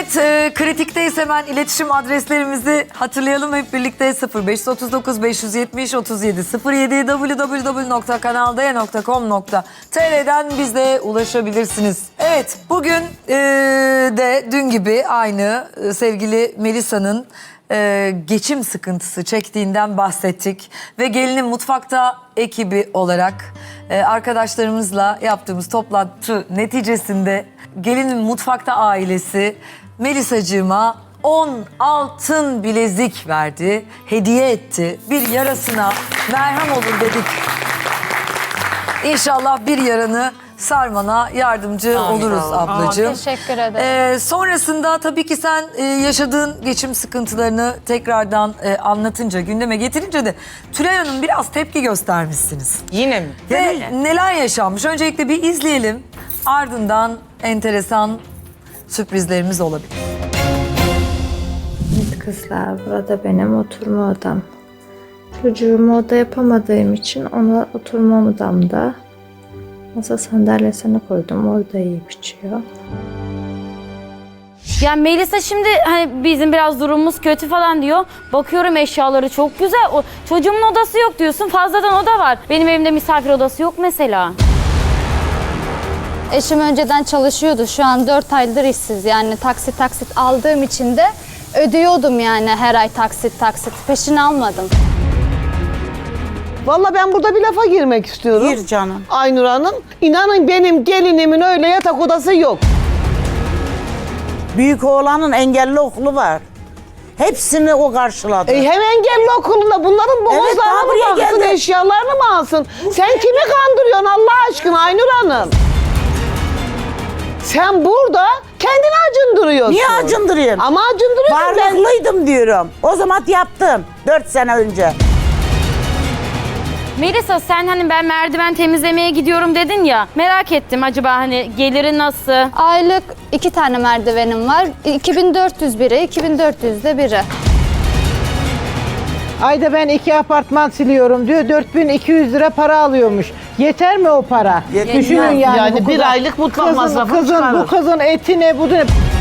Evet, kritikteyiz, hemen iletişim adreslerimizi hatırlayalım hep birlikte. 0539 570 37 07 www.kanaldaya.com.tr'den bize ulaşabilirsiniz. Evet, bugün de dün gibi aynı sevgili Melisa'nın geçim sıkıntısı çektiğinden bahsettik. Ve Gelinin Mutfakta ekibi olarak arkadaşlarımızla yaptığımız toplantı neticesinde Gelinin Mutfakta ailesi Melisacığıma 10 altın bilezik verdi, hediye etti. Bir yarasına merhem olur dedik. İnşallah bir yaranı sarmana yardımcı oluruz ablacığım. Teşekkür ederim. Sonrasında tabii ki sen yaşadığın geçim sıkıntılarını tekrardan anlatınca, gündeme getirince de Tülay Hanım biraz tepki göstermişsiniz. Yine mi? Ve neler yaşanmış? Öncelikle bir izleyelim. Ardından enteresan sürprizlerimiz olabilir. Evet kızlar, burada benim oturma odam. Çocuğumu oda yapamadığım için ona oturma odamda masa sandalyesini koydum. Orada yiyip içiyor. Ya Melisa şimdi hani bizim biraz durumumuz kötü falan diyor. Bakıyorum eşyaları çok güzel. O çocuğumun odası yok diyorsun. Fazladan oda var. Benim evimde misafir odası yok mesela. Eşim önceden çalışıyordu. Şu an 4 aydır işsiz. Yani taksit aldığım için de ödüyordum yani her ay taksit. Peşini almadım. Vallahi ben burada bir lafa girmek istiyorum. Gir canım. Aynur Hanım, inanın benim gelinimin öyle yatak odası yok. Büyük oğlanın engelli okulu var. Hepsini o karşıladı. Hem engelli okulunda bunların daha boğazlarına buraya mı baksın, geldi. eşyalarını mı alsın? Sen kimi kandırıyorsun Allah aşkına Aynur Hanım? Sen burada kendini acındırıyorsun. Niye acındırayım? Ama acındırıyorsun. Varlıklıydım diyorum. O zaman yaptım 4 sene önce. Melisa sen hani ben merdiven temizlemeye gidiyorum dedin ya. Merak ettim acaba hani geliri nasıl? Aylık 2 tane merdivenim var. 2400 biri, 2400 de biri. Ayda ben 2 apartman siliyorum diyor. 4200 lira para alıyormuş. Yeter mi o para? Yetmez. Düşünün yani. Yani bir aylık mutfak masrafı çıkarır. Bu kızın eti ne, bu ne?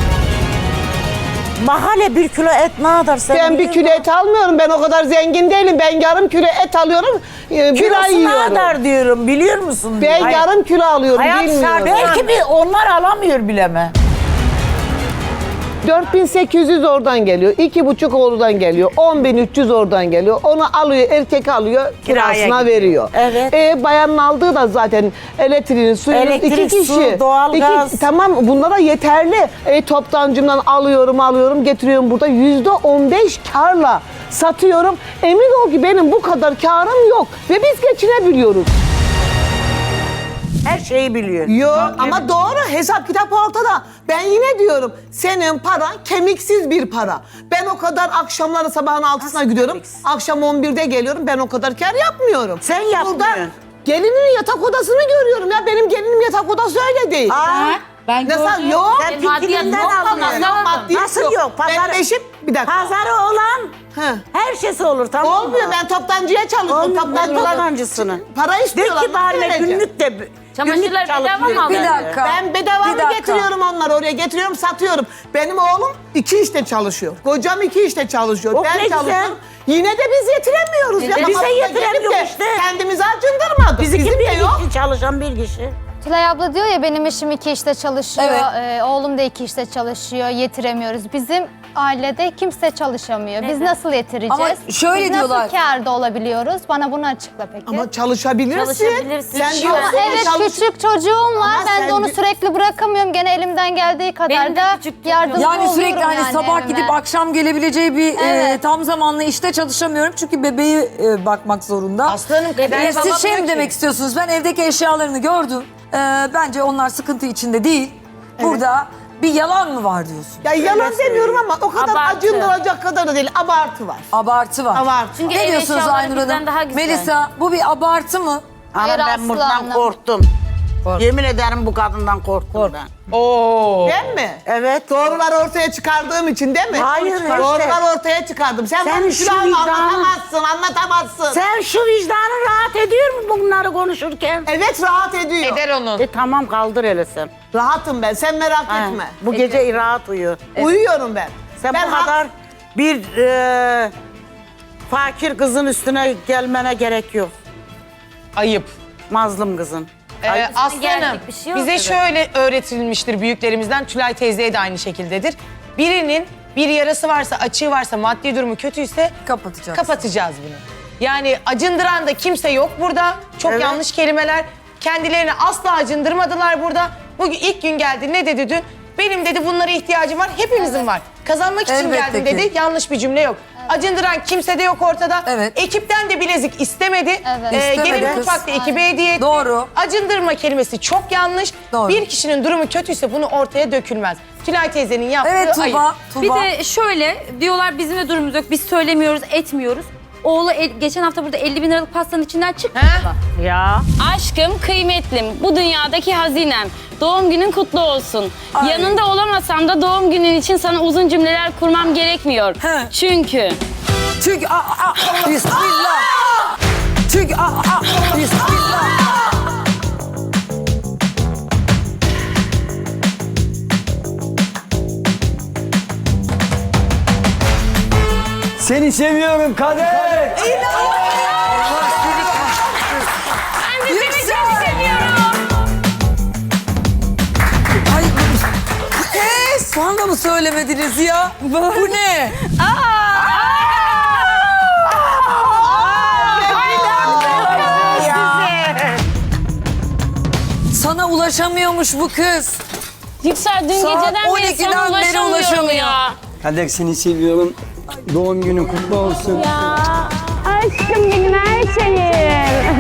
Mahalle 1 kilo et ne kadar sen Ben bir kilo et almıyorum. Ben o kadar zengin değilim. Ben yarım kilo et alıyorum. Bir ay kilosu ne yiyorum. kadar diyorum biliyor musun? Ben yarım kilo alıyorum. Hayat bilmiyorum. belki bir onlar alamıyor bile mi? 4800 oradan geliyor. 2,5 oradan geliyor. 10.300 oradan geliyor. Onu alıyor, erkek alıyor, Kiraya kirasına gidiyor. veriyor. Evet. Bayanın aldığı da zaten elektriğini, suyunu Elektrik, 2 kişi. su, doğalgaz. Tamam bunlara yeterli. Toptancımdan alıyorum, getiriyorum burada. %15 karla satıyorum. Emin ol ki benim bu kadar karım yok. Ve biz geçinebiliyoruz. Her şeyi biliyor. Yok ama doğru, hesap kitap ortada. Ben yine diyorum senin paran kemiksiz bir para. Ben o kadar akşamları sabahın 6'sına gidiyorum. kemiksiz? Akşam 11'de geliyorum. Ben o kadar kar yapmıyorum. Sen yapmıyorsun. Burada gelinin yatak odasını görüyorum ya. Benim gelinin yatak odası öyle değil. Ben Nasıl yok? Sen fikrinden alıyorsun. Maddiyet Nasıl yok? Benim eşim bir dakika. Pazarı olan He. her şeysi olur tamam mı? Olmuyor, ben toptancıya çalışıyorum. Olmuyor, toptancısını. Para De istiyorlar. ki bari nasıl vereceğim? günlük de Çamaşırlar bedava mı Bir alıyor? dakika. Ben bedava Bir mı dakika. getiriyorum onları oraya? Getiriyorum, satıyorum. Benim oğlum 2 işte çalışıyor. Kocam 2 işte çalışıyor. Oh, ne Ben güzel. çalışıyorum. Yine de biz yetiremiyoruz. ya. Bize Kafamıza yetiremiyor gelip de işte. Kendimizi acındırmadık. Bizimki Bizim de bir yok. kişi çalışan bir kişi. Tülay abla diyor ya benim eşim 2 işte çalışıyor. Evet. Oğlum da 2 işte çalışıyor. Yetiremiyoruz. Bizim ailede kimse çalışamıyor. Biz nasıl yetireceğiz? Ama şöyle Biz diyorlar. nasıl kârda olabiliyoruz? Bana bunu açıkla peki. Ama çalışabilirsin. Çalışabilirsin. Sen Ama diyorsun Ama ya, evet çalış- küçük çocuğum var. Ama Ben sen de onu bir- sürekli bırakamıyorum. Gene elimden geldiği kadar Benim de da küçük çocuğum. yardımcı Yani oluyorum sürekli hani yani sabah evime. gidip akşam gelebileceği bir Evet. tam zamanlı işte çalışamıyorum. Çünkü bebeği bakmak zorunda. Aslanım Ben Siz babam şey mi yok demek istiyorsunuz? Ben evdeki eşyalarını gördüm. Bence onlar sıkıntı içinde değil. Burada bir yalan mı var diyorsun? Ya yalan demiyorum ama o kadar Abartı. acındıracak kadar da değil. Abartı var. Abartı var. Abartı. Çünkü Ne ev diyorsunuz eşyaları Aynur bizden Hanım? daha güzel. Melisa bu bir abartı mı? Ama Hayır, ben asla buradan anlam- korktum. Yemin ederim bu kadından korktum ben. Oo. Ben mi? Evet. Doğruları ortaya çıkardığım için değil mi? Hayır, işte. Doğruları ortaya çıkardım. Sen Sen bana şu Tülay'ı vicdanı- anlatamazsın. Sen şu vicdanın rahat ediyor mu bunları konuşurken? Evet rahat ediyor. Eder onun. Tamam kaldır hele sen. Rahatım ben, sen merak Ha, etme. bu gece rahat uyu. Uyuyorum ben. Sen ben bu kadar bir fakir kızın üstüne gelmene gerek yok. Ayıp. Mazlum kızın. Aslanım, gerçek bir şey yok. bize Evet. şöyle öğretilmiştir büyüklerimizden, Tülay teyzeye de aynı şekildedir. Birinin bir yarası varsa, açığı varsa, maddi durumu kötüyse Kapatacağız. kapatacağız bunu. Yani acındıran da kimse yok burada. Çok Evet. yanlış kelimeler. Kendilerini asla acındırmadılar burada. Bugün ilk gün geldi, ne dedi dün? Benim dedi bunlara ihtiyacım var, hepimizin var. Kazanmak için Elbette geldim ki. dedi, yanlış bir cümle yok. Acındıran kimse de yok ortada. Evet. Ekipten de bilezik istemedi. Evet. İstemedi Gelin kız. mutfakta ekibe hediye etti. Doğru. Acındırma kelimesi çok yanlış. Doğru. Bir kişinin durumu kötüyse bunu ortaya dökülmez. Tülay teyzenin yaptığı Evet ayıp. Tuğba. Bir de şöyle diyorlar bizim de durumumuz yok. Biz söylemiyoruz, etmiyoruz. Oğlu geçen hafta burada 50 bin liralık pastanın içinden çıktı. He? Ya. Aşkım, kıymetlim, bu dünyadaki hazinem. Doğum günün kutlu olsun. Ay. Yanında olamasam da doğum günün için sana uzun cümleler kurmam gerekmiyor. He. Çünkü Çünkü bismillah. Çünkü bismillah. Seni seviyorum kader. Allah seni kahretsin. ben de seni çok seviyorum. Ay soğan da mı söylemediniz ya? Bu ne? Sana ulaşamıyormuş bu kız. Yüksel dün Saat geceden beri 12'den sana beri ulaşamıyorum ulaşamıyor. ya. Kader seni seviyorum. Doğum günün kutlu olsun. Aşkım benim her şeyim.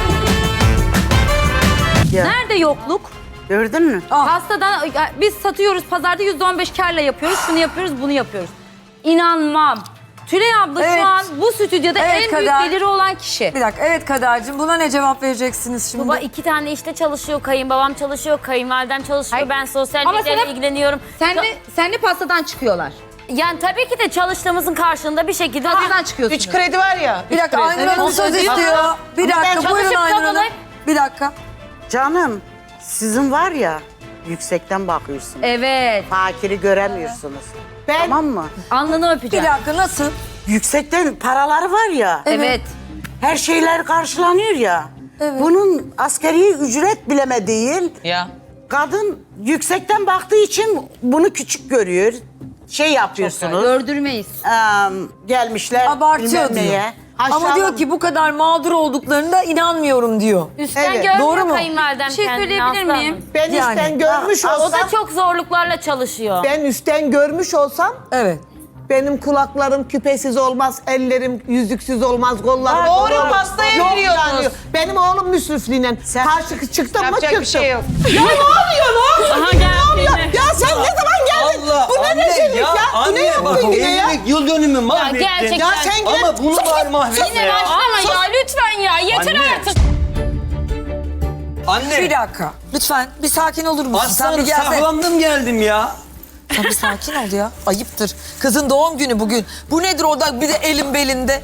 Nerede yokluk? Gördün mü? Pastadan biz satıyoruz pazarda %15 kârla yapıyoruz. Şunu yapıyoruz, bunu yapıyoruz. İnanmam. Tülay abla Evet. şu an bu stüdyoda Evet, en büyük Kader. geliri olan kişi. Bir dakika evet Kader'cim buna ne cevap vereceksiniz şimdi? Baba 2 tane işte çalışıyor, kayınbabam çalışıyor, kayınvalidem çalışıyor, Hayır. ben sosyal Ama medyayla sana- ilgileniyorum. Senle pastadan çıkıyorlar. Yani tabii ki de çalıştığımızın karşılığında bir şekilde... Pastadan çıkıyorsunuz. 3 kredi var ya. Bir dakika Aynur Hanım söz Evet. istiyor. Bir ben dakika buyurun çalışıp Aynur Hanım. kazanayım. Bir dakika. Canım sizin var ya yüksekten bakıyorsunuz. Evet. Fakiri göremiyorsunuz. Ben Tamam mı? Alnını Bir öpeceğim. dakika nasıl? Yüksekten paraları var ya. Evet. Her şeyler karşılanıyor ya. Evet. Bunun askeri ücret bileme değil. Ya. Kadın yüksekten baktığı için bunu küçük görüyor. Şey yapıyorsunuz. Gördürmeyiz. Gelmişler Abartıyor bilmem diyor. neye. Ama diyor ki bu kadar mağdur olduklarında inanmıyorum diyor. Üstten Evet, görmüyor doğru mu? kayınvalidem Bir şey kendini, söyleyebilir Aslı miyim? Hanım. ben Yani. üstten görmüş O olsam, da çok zorluklarla çalışıyor. ben üstten görmüş olsam Evet. benim kulaklarım küpesiz olmaz, ellerim yüzüksüz olmaz, kollarım Doğru, olmaz. pastaya Yok veriyordunuz. yani. Benim oğlum müsrifliğiyle karşı çıktım mı Yapacak çıktım. bir şey yok. Ya ne oluyor Aha geldi. Ya sen ne zaman geldin? Bu ne rezillik ya? Bu ne yaptın yine ya? Yıl dönümü mahvettin. gerçekten. Ya sen yine... Ama bunu var mahvettin. Yine başlama ya lütfen ya yeter Anne. artık. Anne. Bir dakika. Lütfen bir sakin olur musun? Sen bir Aslanım gelsene. saklandım geldim ya. Sen bir sakin ol ya. Ayıptır. Kızın doğum günü bugün. Bu nedir orada bir de elin belinde?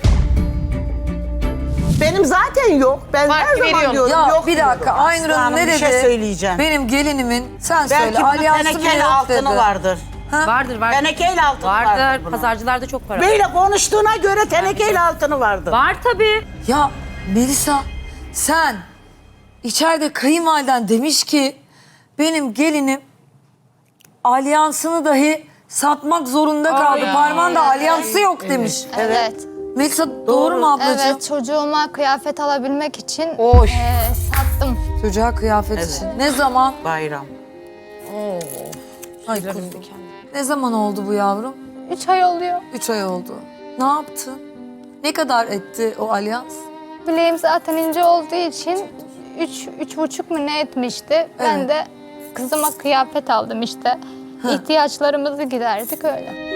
Benim zaten yok. Ben Var, her zaman veriyorum. diyorum Ya yok bir dakika diyorum. Aynur Hanım Hanım, ne bir dedi? şey söyleyeceğim. Benim gelinimin sen söyle Belki bunun alyansı bile tenekeli yok altını dedi. vardır. Vardır vardır. Tenekeyle altını vardır. Vardır. bunun. Pazarcılarda çok para. Böyle konuştuğuna göre tenekeyle altını vardır. Var tabii. Ya Melisa sen içeride kayınvaliden demiş ki benim gelinim alyansını dahi satmak zorunda kaldı. Parmağında alyansı yok demiş. Evet. Melisa doğru mu ablacığım? Evet, çocuğuma kıyafet alabilmek için Oy. sattım. Çocuğa kıyafet için. Ne zaman? Bayram. Ay kuzum. Ne zaman oldu bu yavrum? 3 ay oluyor. 3 ay oldu. Ne yaptın? Ne kadar etti o alyans? Bileğim zaten ince olduğu için 3,5 mu ne etmişti. Ben de kızıma kıyafet aldım işte. İhtiyaçlarımızı giderdik öyle.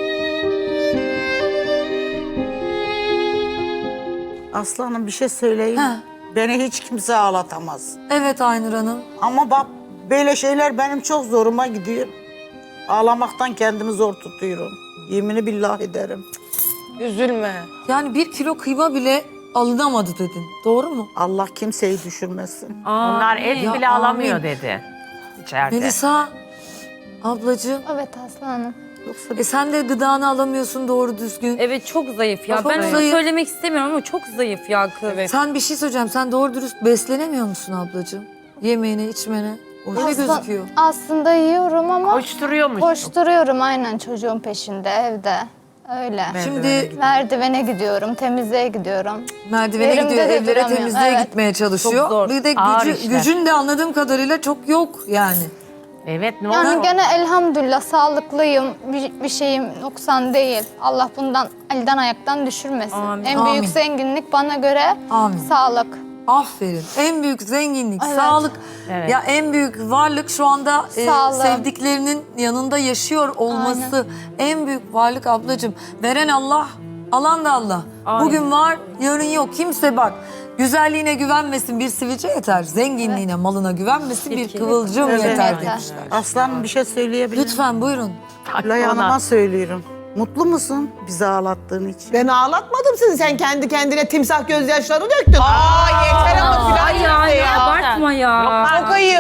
Aslanım bir şey söyleyeyim. Ha. Beni hiç kimse ağlatamaz. Evet Aynur Hanım. Ama bak böyle şeyler benim çok zoruma gidiyor. Ağlamaktan kendimi zor tutuyorum. Yemini billah ederim. Üzülme. Yani 1 kilo kıyma bile alınamadı dedin. Doğru mu? Allah kimseyi düşürmesin. Onlar et Ya bile alamıyor amin. dedi içeride. Melisa ablacığım. Evet Aslı Hanım. Sen de gıdanı alamıyorsun doğru düzgün. Evet çok zayıf ya. Çok Ben onu zayıf. söylemek istemiyorum ama çok zayıf ya kız. Sen bir şey söyleyeceğim. Sen doğru dürüst beslenemiyor musun ablacığım? Yemeğine, içmene. Öyle gözüküyor. Aslında yiyorum ama Koşturuyormuş. koşturuyorum aynen çocuğun peşinde evde. Öyle. Şimdi Merdivene gidiyorum, temizliğe gidiyorum. merdivene Yerimde gidiyor, de evlere duramıyorum. temizliğe Evet. gitmeye çalışıyor. Çok zor. Bir de Ağır işler. gücün de anladığım kadarıyla çok yok yani. Evet ne Yani olur. gene elhamdülillah sağlıklıyım. Bir şeyim noksan değil. Allah bundan elden ayaktan düşürmesin. Amin. En Amin. büyük zenginlik bana göre Amin. sağlık. Aferin. En büyük zenginlik, Evet. sağlık. Evet. Ya en büyük varlık şu anda Sağlık. sevdiklerinin yanında yaşıyor olması. En büyük varlık ablacığım. Veren Allah, alan da Allah. Bugün var, yarın yok. Kimse bak güzelliğine güvenmesin, bir sivilce yeter. Zenginliğine, malına güvenmesin, bir kıvılcım yeter Yeter. demişler. Aslanım bir şey söyleyebilir miyim? Lütfen buyurun. Lay Hanım'a söylüyorum. Mutlu musun bizi ağlattığın için? Ben ağlatmadım sizi. Sen kendi kendine timsah gözyaşları döktün. Aa yeter ama filan Ay ya. ya abartma ya. Çok ayıp.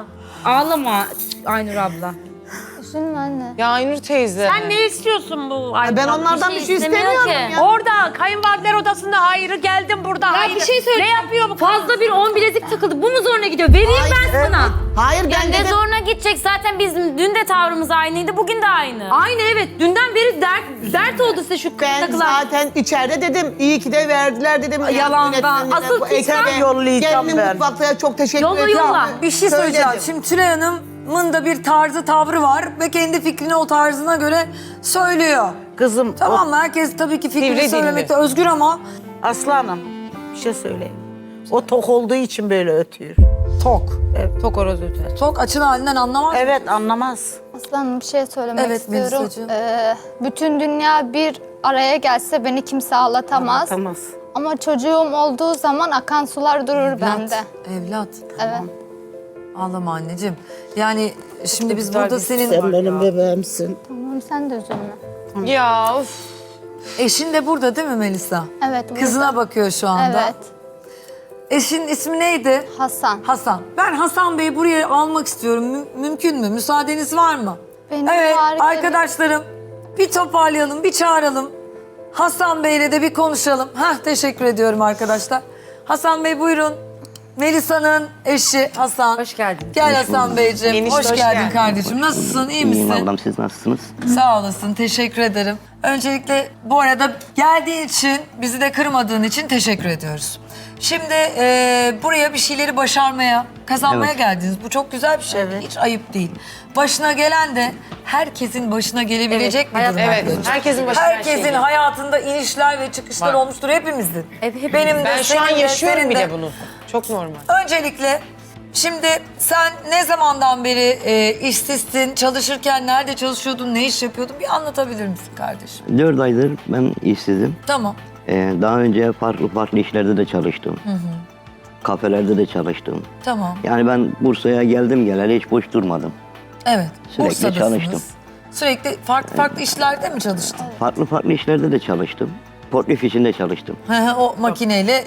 Ağlama Aynur abla. Üzülme anne. Ya Aynur teyze. Sen ne istiyorsun bu ay? Ben onlardan bir şey istemiyor istemiyorum ki. ya. Orada kayınvalideler odasında hayrı geldim burada. Ya bir şey söyleyeyim. Ne yapıyor bu? Fazla bir 10 bilezik takıldı. Bu mu zoruna gidiyor? Vereyim ben sana. Hayır ben Yani ne dedim. zoruna gidecek zaten bizim dün de tavrımız aynıydı bugün de aynı. Aynı evet dünden beri dert oldu size şu Ben takılar. zaten içeride dedim. İyi ki de verdiler dedim. Yalandan. Yönetmenine, Asıl bu kimse ekibe, yollayacağım gelinin ben. mutfakta çok teşekkür Yolla, ediyorum. yolla. Bir şey söyleyeceğim. Söyledim. Şimdi Tülay Hanım'ın da bir tarzı, tavrı var ve kendi fikrini o tarzına göre söylüyor. Kızım, Tamam mı? Herkes tabii ki fikrini Sivri söylemekte dilli. özgür ama Aslanım bir şey söyleyeyim. O tok olduğu için böyle ötüyor. tok. Tok horoz öter. Tok açın halinden anlamaz. Evet anlamaz. Aslanım bir şey söylemek Evet, istiyorum. Melisacığım. Bütün dünya bir araya gelse beni kimse ağlatamaz. Anlatamaz. Ama çocuğum olduğu zaman akan sular durur bende. Evlat. Evet. Ağlama anneciğim. Yani şimdi biz burada senin Sen benim bebeğimsin. Tamam sen de üzülme. Ya of. eşin de burada değil mi Melisa? Evet. burada. Kızına bakıyor şu anda. Evet. Eşin ismi neydi? Hasan. Hasan. Ben Hasan Bey'i buraya almak istiyorum. Mümkün mü? Müsaadeniz var mı? Benim Evet harika bir- arkadaşlarım bir toparlayalım, bir çağıralım. Hasan Bey'le de bir konuşalım. Teşekkür ediyorum arkadaşlar. Hasan Bey buyurun. Melisa'nın eşi Hasan. Hoş geldin. Gel Hasan Beyciğim. Enişte, Hoş hoş geldin geldin. kardeşim. Nasılsın? İyi misin? İyiyim ablam, siz nasılsınız? Sağ olasın. Teşekkür ederim. Öncelikle bu arada geldiğin için, bizi de kırmadığın için teşekkür ediyoruz. Şimdi buraya bir şeyleri başarmaya, kazanmaya Evet. geldiniz. Bu çok güzel bir şey. Hiç ayıp değil. Başına gelen de herkesin başına gelebilecek bir durum. Evet, arkadaşlar. herkesin başına her şey Herkesin geliyor. hayatında inişler ve çıkışlar Var. olmuştur hepimizin. Evet, Benim de, Ben şu an senin de, yaşıyorum senin bir de. de bunu. Çok normal. Öncelikle şimdi sen ne zamandan beri işsizsin, çalışırken nerede çalışıyordun, ne iş yapıyordun bir anlatabilir misin kardeşim? 4 aydır ben işsizim. Tamam. Daha önce farklı işlerde de çalıştım. Kafelerde de çalıştım. Tamam. Yani ben Bursa'ya geldim geleli hiç boş durmadım. Evet. Sürekli Bursa'dasınız. çalıştım. Sürekli farklı işlerde mi çalıştın? Farklı işlerde de çalıştım. Portif işinde çalıştım. O makineyle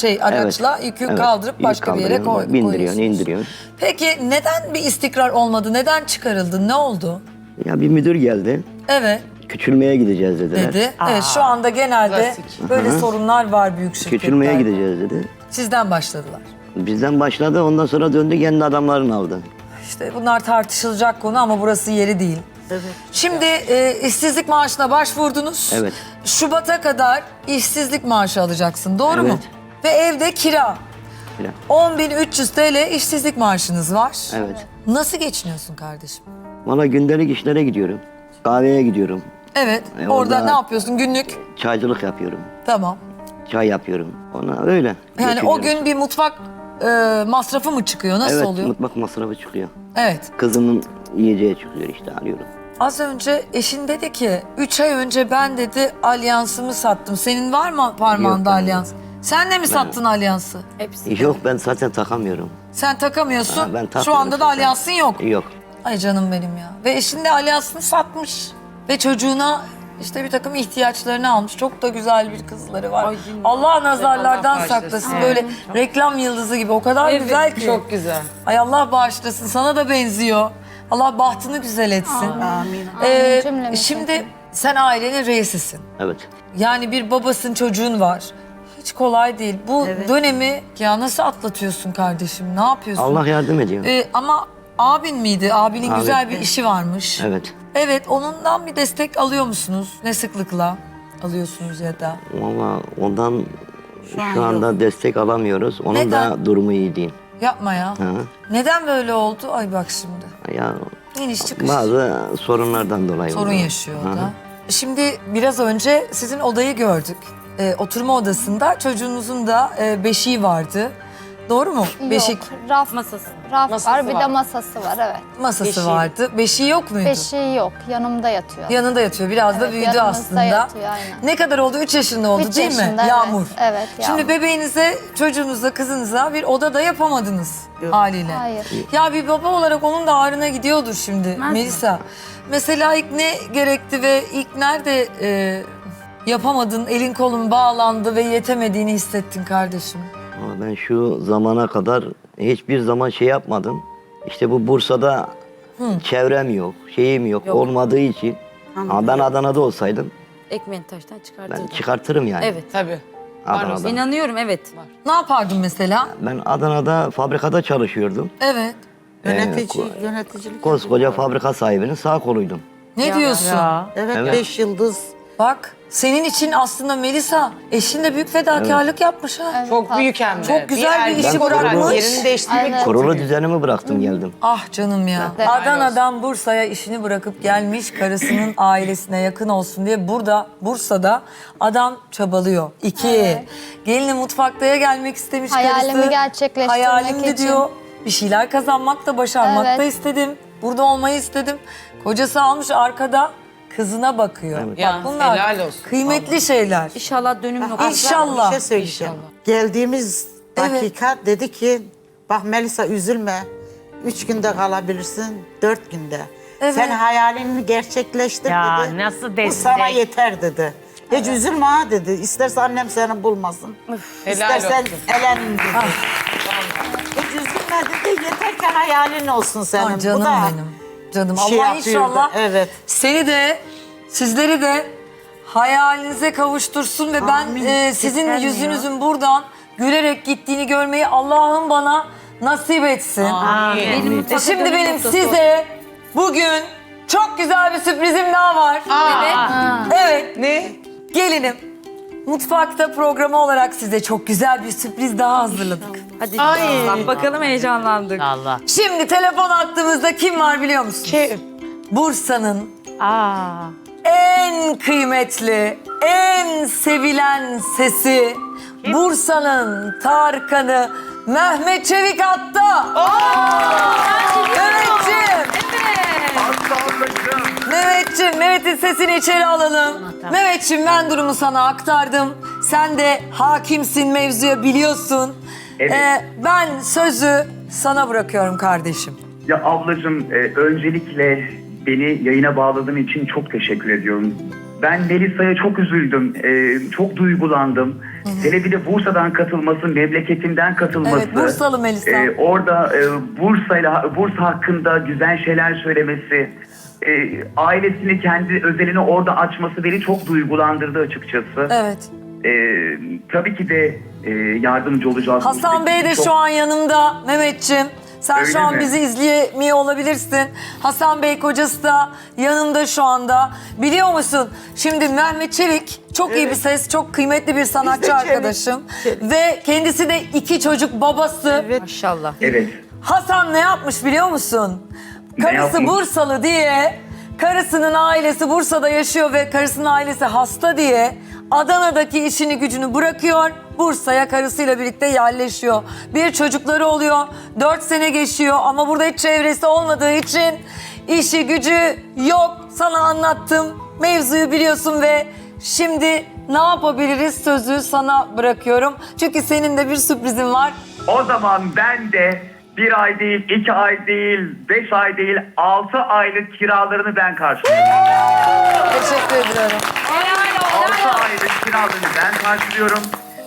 araçla yükü Evet, kaldırıp yük başka bir yere kaldırıyorsun, bindiriyorsun, koyuyorsunuz. indiriyorsun. Peki neden bir istikrar olmadı? Neden çıkarıldın? Ne oldu? Ya bir müdür geldi. Evet Küçülmeye gideceğiz dediler. dedi. Evet şu anda genelde Klasik. böyle sorunlar var büyük şirketlerde. Küçülmeye gideceğiz dedi. Sizden başladılar. Bizden başladı, ondan sonra döndü kendi adamlarını aldı. İşte bunlar tartışılacak konu ama burası yeri değil. Evet. Şimdi işsizlik maaşına başvurdunuz. Evet. Şubat'a kadar işsizlik maaşı alacaksın. Doğru mu? Evet. Ve evde kira. Kira. 10.300 TL işsizlik maaşınız var. Evet. Nasıl geçiniyorsun kardeşim? Valla gündelik işlere gidiyorum. Kahveye gidiyorum. Evet. Orada orada- ne yapıyorsun? Günlük. Çaycılık yapıyorum. Tamam. Çay yapıyorum. Ona öyle. Yani o geçiniyoruz. gün bir mutfak masrafı mı çıkıyor? Nasıl Evet, oluyor? mutfak masrafı çıkıyor. Evet. Kızımın yiyeceği çıkıyor işte, alıyorum. Az önce eşin dedi ki 3 ay önce ben dedi alyansımı sattım. Senin var mı parmağında Yok, alyans? Sen de mi sattın alyansı? Yok ben zaten takamıyorum. Sen takamıyorsun. Ha, ben Şu takmıyorum anda da zaten. alyansın yok. Yok. Ay canım benim ya. Ve eşin de alyansını satmış. Ve çocuğuna işte bir takım ihtiyaçlarını almış. Çok da güzel bir kızları var. Allah nazarlardan saklasın. Böyle reklam yıldızı gibi. O kadar güzel ki. Çok güzel. Ay Allah bağışlasın. Sana da benziyor. Allah bahtını güzel etsin. Amin. Cümlemize. Şimdi sen ailenin reisisin. Evet. Yani bir babasın, çocuğun var. Hiç kolay değil. Bu dönemi ya nasıl atlatıyorsun kardeşim? Ne yapıyorsun? Allah yardım ediyor. Ama abin miydi? Abinin Abi. güzel bir işi varmış. Evet. Evet, onundan bir destek alıyor musunuz? Ne sıklıkla alıyorsunuz ya da? Ama ondan şu anda destek alamıyoruz. Onun Neden? da durumu iyi değil. Yapma ya. Hı. Neden böyle oldu? Ay bak şimdi. Ya İniş çıkış. bazı sorunlardan dolayı. Sorun oluyor. yaşıyor o Hı hı. da. Şimdi biraz önce sizin odayı gördük. Oturma odasında çocuğunuzun da beşiği vardı. Doğru mu? Beşik Yok, raf Masası. var, bir de masası var, evet. masası vardı. Beşiği yok muydu? Beşiği yok, yanımda yatıyor. Yanında yatıyor. Biraz da Evet, büyüdü yanımızda aslında. yatıyor, aynen. Ne kadar oldu? 3 yaşında oldu 3 değil mi? yaşında, evet. Yağmur. Evet, Yağmur. Şimdi bebeğinize, çocuğunuza, kızınıza bir odada yapamadınız haliyle. Hayır. Ya bir baba olarak onun da ağrına gidiyordur şimdi Melisa. Mesela ilk ne gerekti ve ilk nerede yapamadın, elin kolun bağlandı ve yetemediğini hissettin kardeşim? Ama ben şu zamana kadar hiçbir zaman şey yapmadım. İşte bu Bursa'da çevrem yok, şeyim yok, olmadığı için. Ama ben Adana'da olsaydım Ekmeğini taştan çıkartırdım. ben çıkartırım yani. Evet. Tabii. Adana'da. İnanıyorum evet. Ne yapardın mesela? Ben Adana'da fabrikada çalışıyordum. Evet. Yöneticilik. Koskoca fabrika sahibinin sağ koluydum. Ne diyorsun? Evet, Evet. 5 yıldız. Bak senin için aslında Melisa eşin de büyük fedakarlık yapmış ha. Çok büyük hem de. Çok güzel bir işi Ben bırakmış. Yerini değiştirmek Aynen. Kurulu düzenimi bıraktım geldim. Ah canım ya. Evet. Adana'dan Bursa'ya işini bırakıp gelmiş karısının ailesine yakın olsun diye burada Bursa'da adam çabalıyor. 2. Gelini mutfaktaya gelmek istemiş Hayalimi karısı. gerçekleştirmek Hayalimdi için. diyor. Bir şeyler kazanmak da başarmak da Evet. istedim. Burada olmayı istedim. Kocası almış arkada kızına bakıyor. Evet. Ya, Bak bunlar helal olsun. kıymetli şeyler. İnşallah dönüm noktası. İnşallah. Bir şey söyleyeceğim. Geldiğimiz dakika dedi ki bak Melisa üzülme. 3 günde kalabilirsin, 4 günde. Evet. Sen hayalini gerçekleştir Ya, dedi. nasıl Bu destek? sana yeter dedi. Hiç üzülme ha dedi. İsterse annem seni bulmasın. Helal İstersen olsun. elenin dedi. Hiç üzülme dedi. Yeter ki hayalin olsun senin. Ah canım Bu da benim. Canım şey Allah yapıyordu, inşallah evet. seni de sizleri de hayalinize kavuştursun ve Amin. ben sizin yüzünüzün buradan gülerek gittiğini görmeyi Allah'ım bana nasip etsin. Amin. Şimdi benim size bugün çok güzel bir sürprizim daha var. Evet. Ne? Gelinim. Mutfakta programı olarak size çok güzel bir sürpriz daha hazırladık. Hadi bak bakalım heyecanlandık. Allah. Şimdi telefon attığımızda kim var biliyor musunuz? Kim? Bursa'nın Aa. en kıymetli, en sevilen sesi, Bursa'nın Tarkan'ı Mehmet Çevik hatta. Mehmet'in sesini içeri alalım. Mehmetciğim ben durumu sana aktardım. Sen de hakimsin mevzuya biliyorsun. Evet. Ben sözü sana bırakıyorum kardeşim. Ya ablacığım öncelikle beni yayına bağladığın için çok teşekkür ediyorum. Ben Melisa'ya çok üzüldüm, çok duygulandım. Hele bir de Bursa'dan katılması, memleketimden katılması. Evet, Bursalı Melisa. Orada Bursa hakkında güzel şeyler söylemesi, ailesini, kendi özelini orada açması beni çok duygulandırdı açıkçası. Evet. Tabii ki de yardımcı olacağız. Hasan Bey de Çok- şu an yanımda Mehmetciğim. Sen Öyle şu an mi? bizi izleyemiyor olabilirsin. Hasan Bey kocası da yanımda şu anda. Biliyor musun? Şimdi Mehmet Çevik çok iyi bir ses, çok kıymetli bir sanatçı Çevik, arkadaşım. Çevik. Ve kendisi de 2 çocuk babası. Maşallah. Evet. Hasan ne yapmış biliyor musun? Ne Karısı yapmış? Bursalı diye, karısının ailesi Bursa'da yaşıyor ve karısının ailesi hasta diye Adana'daki işini gücünü bırakıyor, Bursa'ya karısıyla birlikte yerleşiyor. Bir çocukları oluyor, 4 sene geçiyor ama burada hiç çevresi olmadığı için işi gücü yok. Sana anlattım, mevzuyu biliyorsun ve şimdi ne yapabiliriz sözü sana bırakıyorum. Çünkü senin de bir sürprizin var. O zaman ben de 1 ay değil, 2 ay değil, 5 ay değil, 6 aylık kiralarını ben karşılıyorum. Teşekkür ediyorum. 6 aylık kiralarını ben karşılıyorum.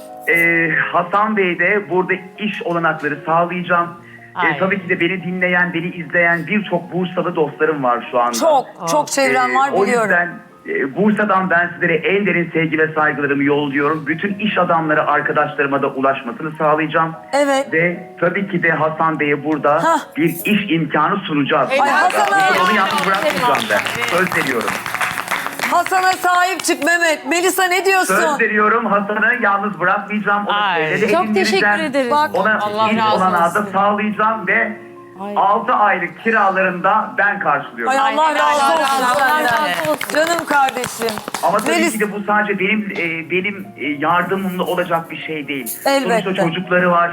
Hasan Bey de burada iş olanakları sağlayacağım. Tabii ki de beni dinleyen, beni izleyen birçok Bursalı dostlarım var şu anda. Çok çevrem var O biliyorum. yüzden Bursa'dan ben sizlere en derin sevgi ve saygılarımı yolluyorum. Bütün iş adamları arkadaşlarıma da ulaşmasını sağlayacağım. Evet. Ve tabii ki de Hasan Bey'e burada bir iş imkanı sunacağız. Ay Hasan abi. Onu yalnız bırakmayacağım ben. Söz veriyorum. Hasan'a sahip çık Mehmet. Melisa ne diyorsun? Söz veriyorum, Hasan'ı yalnız bırakmayacağım. Onu söyledi, Çok edindireceğim. teşekkür ederiz. Bak, Ona Allah iş razı olanağı da olsun. sağlayacağım ve 6 aylık kiralarını da ben karşılıyorum. Ay Allah razı olsun Allah senden. razı olsun. Canım kardeşim. Ama tabii Melis- ki de bu sadece benim yardımımla olacak bir şey değil. Elbette. Sonuçta çocukları var.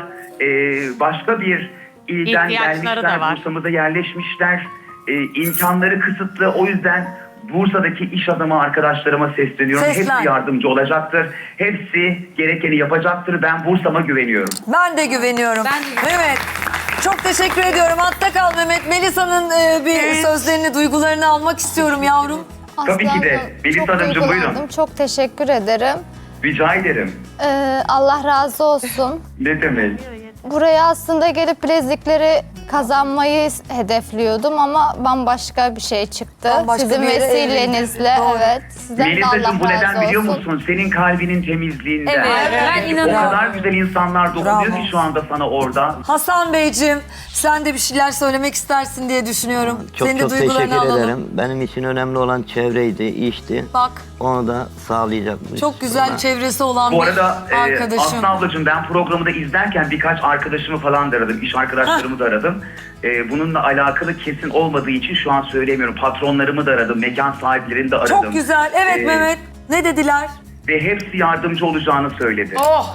Başka bir ilden İhtiyaçları da gelmişler. var. Bursa'mıza yerleşmişler. İmkanları kısıtlı. O yüzden Bursa'daki iş adamı arkadaşlarıma sesleniyorum. Seslen. Hepsi yardımcı olacaktır. Hepsi gerekeni yapacaktır. Ben Bursa'ma güveniyorum. Ben de güveniyorum. Evet. Çok teşekkür ediyorum. Hatta kal Mehmet. Melisa'nın bir sözlerini, duygularını almak istiyorum yavrum. Tabii ki de. Aslanım, Melis çok Hanımcığım, buyurun. duygulandım. Çok teşekkür ederim. Rica ederim. Allah razı olsun. Ne demek? Buraya aslında gelip bilezikleri kazanmayı hedefliyordum ama bambaşka bir şey çıktı. Bambaşka Sizin bir yere vesilenizle, evrildi. evet. Sizden de Allah Melisa'cığım, bu neden razı biliyor olsun. musun? Senin kalbinin temizliğinden. Evet, ben O inanıyorum. kadar güzel insanlar dokunuyor Bravo. ki şu anda sana orada. Hasan Beyciğim, sen de bir şeyler söylemek istersin diye düşünüyorum. Çok Senin de çok duygularını teşekkür alalım. ederim. Benim için önemli olan çevreydi, işti. Bak, Onu da sağlayacakmış. çok güzel çevresi olan Bu bir arada arkadaşım. Aslı ablacığım, ben programı da izlerken birkaç arkadaşımı falan da aradım. İş arkadaşlarımı da aradım. Bununla alakalı kesin olmadığı için şu an söyleyemiyorum. Patronlarımı da aradım. Mekan sahiplerini de aradım. Çok güzel. Evet Mehmet. Ne dediler? Ve hepsi yardımcı olacağını söyledi.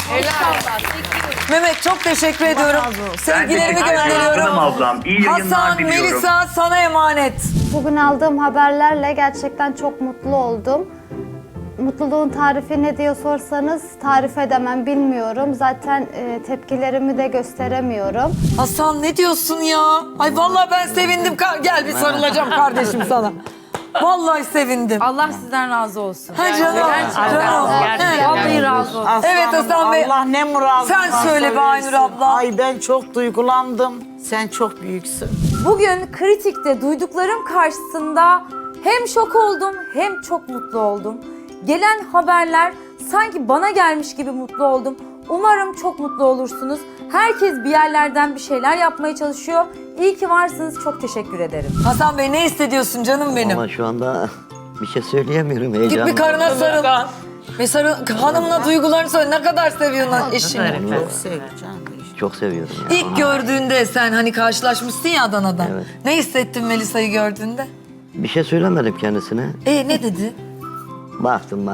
Mehmet çok teşekkür ediyorum. Sevgilerimi teşekkür ederim. Canım gönderiyorum. ablam. İyi yayınlar Hasan, diliyorum. Melisa sana emanet. Bugün aldığım haberlerle gerçekten çok mutlu oldum. Mutluluğun tarifi ne diye sorsanız tarif edemem, bilmiyorum. Zaten tepkilerimi de gösteremiyorum. Hasan ne diyorsun ya? Ay vallahi ben sevindim. Gel bir sarılacağım kardeşim sana. Vallahi sevindim. Allah sizden razı olsun. Ha canım. Canım. Gerçekten. Vallahi razı olsun. Evet Hasan Bey. Allah ne muradına Sen söyle be Aynur abla. Ay ben çok duygulandım. Sen çok büyüksün. Bugün kritikte duyduklarım karşısında hem şok oldum hem çok mutlu oldum. Gelen haberler sanki bana gelmiş gibi mutlu oldum. Umarım çok mutlu olursunuz. Herkes bir yerlerden bir şeyler yapmaya çalışıyor. İyi ki varsınız. Çok teşekkür ederim. Hasan Bey ne hissediyorsun canım benim? Ama şu anda bir şey söyleyemiyorum. Git Heyecanlı. bir karına sarıl. Bir sarıl. Hanımla duygularını söyle. Ne kadar seviyorsun eşini? Çok seveceğim. Çok seviyorum ya. İlk gördüğünde sen hani karşılaşmışsın ya Adana'da. Evet. Ne hissettin Melisa'yı gördüğünde? Bir şey söylemedim kendisine. Ne dedi? Baktım.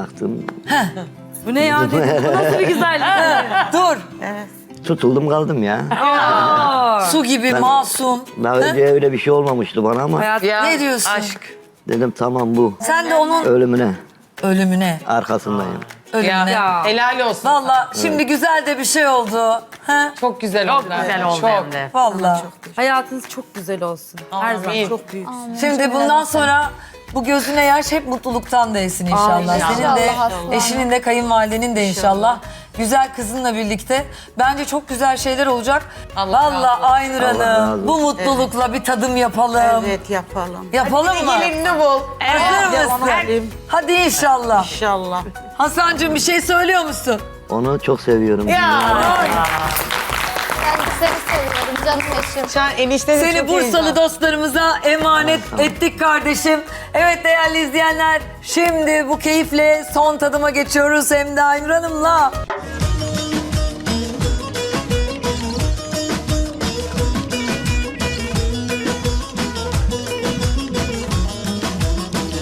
Bu ne ya dedi. Bu nasıl bir güzellik? Dur. Tutuldum kaldım ya. Su gibi masum. Daha önce öyle bir şey olmamıştı bana ama Ne diyorsun? dedim tamam bu. Sen de onun Ölümüne arkasındayım. Ölümüne. Helal olsun. Valla şimdi güzel de bir şey oldu. Ha? Çok güzel oldu. Çok güzel oldu hem de. Valla. Hayatınız çok güzel olsun. Her zaman. Çok büyüksün. Şimdi bundan sonra bu gözüne yaş hep mutluluktan değsin inşallah. Senin de, İnşallah. eşinin de, kayınvalidenin de inşallah. Güzel kızınla birlikte. Bence çok güzel şeyler olacak. Valla Aynur Allah razı Hanım olsun. bu mutlulukla bir tadım yapalım. Evet yapalım. Yapalım mı? Gelinini bul. Hazır mısın? Yapalım. Hadi inşallah. İnşallah. Hasancığım bir şey söylüyor musun? Onu çok seviyorum. Ben de seni seviyorum canım eşim. Şu an enişte de Seni çok Bursalı heyecanlı. dostlarımıza emanet ettik kardeşim. Evet değerli izleyenler, şimdi bu keyifle son tadıma geçiyoruz hem de Aynur Hanım'la.